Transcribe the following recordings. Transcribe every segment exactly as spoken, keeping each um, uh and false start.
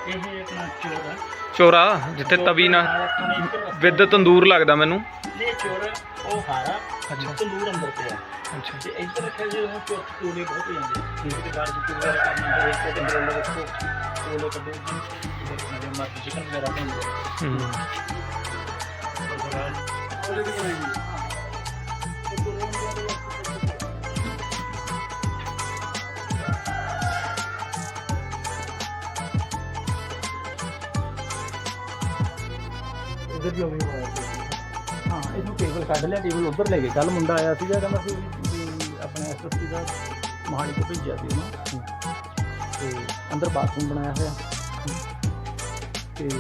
ਇਹ ਆਪਣਾ ਚੋਰ ਹੈ ਚੋਰਾ ਜਿੱਥੇ ਤਵੀ ਨਾ ਵਿਦ ਤੰਦੂਰ ਲੱਗਦਾ ਮੈਨੂੰ। ਇਹ ਚੋਰ ਉਹ ਹਾਰਾ ਅੱਛਾ ਤੰਦੂਰ ਅੰਦਰ ਪਿਆ ਅੱਛਾ ਤੇ ਇੱਧਰ ਰੱਖਿਆ ਜੀ ਉਹ ਚੋਰ ਕੋਲੇ ਬਹੁਤ ਹੋ ਜਾਂਦੇ ਠੀਕ ਹੈ ਬਾਹਰ ਜਿੱਥੇ ਵਗੈਰਾ ਕਰਨਾ ਫਿਰ ਇੱਕ ਕੰਟਰੋਲ ਰੱਖੋ ਕੋਲੇ ਕੱਢੋ ਜੀ ਮਰ ਚਿਕਨ ਵਗੈਰਾ ਬਣਦਾ ਹੂੰ इधर भी अभी हाँ इसमें टेबल कढ़ लिया टेबल उधर ले गए कल मुंडा आया ਸੀ ਕਹਿੰਦਾ ਸੀ ਆਪਣੇ ਐਸਐਸਪੀ ਦਾ ਮਹਾਲੀ ਤੋਂ ਭੇਜਿਆ ਸੀ ਉਹਨੂੰ ਤੇ ਅੰਦਰ ਬਾਥਰੂਮ ਬਣਾਇਆ ਹੋਇਆ ਤੇ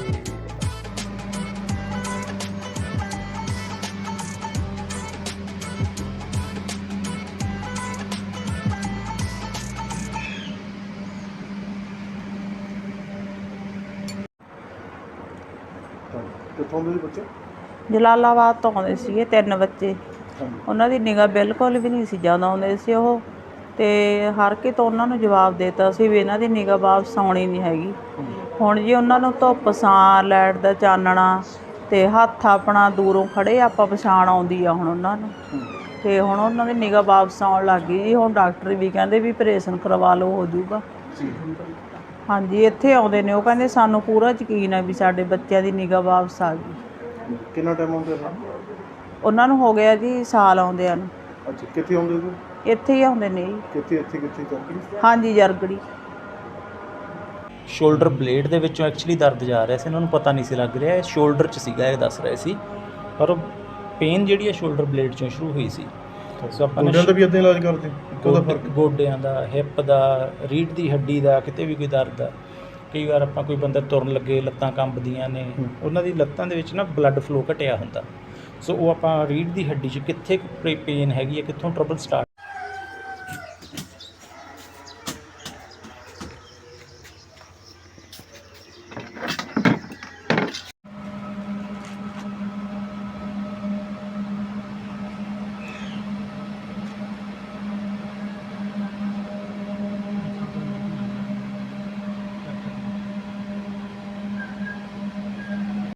ਕਿੱਥੋਂ ਦੇ ਬੱਚੇ? ਜਲਾਲਾਬਾਦ ਤੋਂ ਆਉਂਦੇ ਸੀਗੇ ਤਿੰਨ ਬੱਚੇ। ਉਹਨਾਂ ਦੀ ਨਿਗਾਹ ਬਿਲਕੁਲ ਵੀ ਨਹੀਂ ਸੀ ਜ਼ਿਆਦਾ ਆਉਂਦੇ ਸੀ ਉਹ, ਅਤੇ ਹਰ ਕੇ ਤੋਂ ਉਹਨਾਂ ਨੂੰ ਜਵਾਬ ਦੇ ਦਿੱਤਾ ਸੀ ਵੀ ਇਹਨਾਂ ਦੀ ਨਿਗਾਹ ਵਾਪਸ ਆਉਣੀ ਨਹੀਂ ਹੈਗੀ। ਹੁਣ ਜੀ ਉਹਨਾਂ ਨੂੰ ਧੁੱਪ ਛਾਂ ਲਾਈਟ ਦਾ ਚਾਨਣਾ ਅਤੇ ਹੱਥ ਆਪਣਾ ਦੂਰੋਂ ਖੜ੍ਹੇ ਆਪਾਂ ਪਛਾਣ ਆਉਂਦੀ ਆ ਹੁਣ ਉਹਨਾਂ ਨੂੰ, ਅਤੇ ਹੁਣ ਉਹਨਾਂ ਦੀ ਨਿਗਾਹ ਵਾਪਸ ਆਉਣ ਲੱਗ ਗਈ ਜੀ। ਹੁਣ ਡਾਕਟਰ ਵੀ ਕਹਿੰਦੇ ਵੀ ਆਪਰੇਸ਼ਨ ਕਰਵਾ ਲਓ ਹੋ ਜਾਊਗਾ। ਹਾਂਜੀ ਇੱਥੇ ਆਉਂਦੇ ਨੇ ਉਹ ਕਹਿੰਦੇ ਸਾਨੂੰ ਪੂਰਾ ਯਕੀਨ ਹੈ ਵੀ ਸਾਡੇ ਬੱਚਿਆਂ ਦੀ ਨਿਗਾਹ ਵਾਪਸ ਆ ਗਈ। ਕਿੰਨਾ ਟਾਈਮ ਆਉਂਦੇ ਨੇ? ਉਹਨਾਂ ਨੂੰ ਹੋ ਗਿਆ ਜੀ ਸਾਲ ਆਉਂਦਿਆਂ ਨੂੰ। ਅੱਛਾ ਕਿੱਥੇ ਆਉਂਦੇ ਜੀ? ਇੱਥੇ ਹੀ ਆਉਂਦੇ ਨੇ ਜੀ। ਕਿੱਥੇ ਇੱਥੇ ਕਿੱਥੇ ਚੱਕਰੀ? ਹਾਂਜੀ ਜਰਗੜੀ। ਸ਼ੋਲਡਰ ਬਲੇਡ ਦੇ ਵਿੱਚੋਂ ਐਕਚੁਅਲੀ ਦਰਦ ਜਾ ਰਿਹਾ ਸੀ, ਇਹਨਾਂ ਨੂੰ ਪਤਾ ਨਹੀਂ ਸੀ ਲੱਗ ਰਿਹਾ ਇਹ ਸ਼ੋਲਡਰ 'ਚ ਸੀਗਾ, ਇਹ ਦੱਸ ਰਹੇ ਸੀ, ਪਰ ਪੇਨ ਜਿਹੜੀ ਹੈ ਸ਼ੋਲਡਰ ਬਲੇਡ 'ਚੋਂ ਸ਼ੁਰੂ ਹੋਈ ਸੀ। ਸੋ ਆਪਾਂ ਗੋਡਿਆਂ ਦਾ ਵੀ ਇੱਦਾਂ ਇਲਾਜ ਕਰਦੇ? ਉਹਦਾ ਫਰਕ? ਗੋਡਿਆਂ ਦਾ, ਹਿੱਪ ਦਾ, ਰੀੜ੍ਹ ਦੀ ਹੱਡੀ ਦਾ, ਕਿਤੇ ਵੀ ਕੋਈ ਦਰਦ ਆ। ਕਈ ਵਾਰ ਆਪਾਂ ਕੋਈ ਬੰਦਾ ਤੁਰਨ ਲੱਗੇ ਲੱਤਾਂ ਕੰਬਦੀਆਂ ਨੇ, ਉਹਨਾਂ ਦੀ ਲੱਤਾਂ ਦੇ ਵਿੱਚ ਨਾ ਬਲੱਡ ਫਲੋ ਘਟਿਆ ਹੁੰਦਾ, ਸੋ ਉਹ ਆਪਾਂ ਰੀੜ੍ਹ ਦੀ ਹੱਡੀ 'ਚ ਕਿੱਥੇ ਪੇਨ ਹੈਗੀ ਹੈ, ਕਿੱਥੋਂ ਟਰਬਲ ਸਟਾਰਟ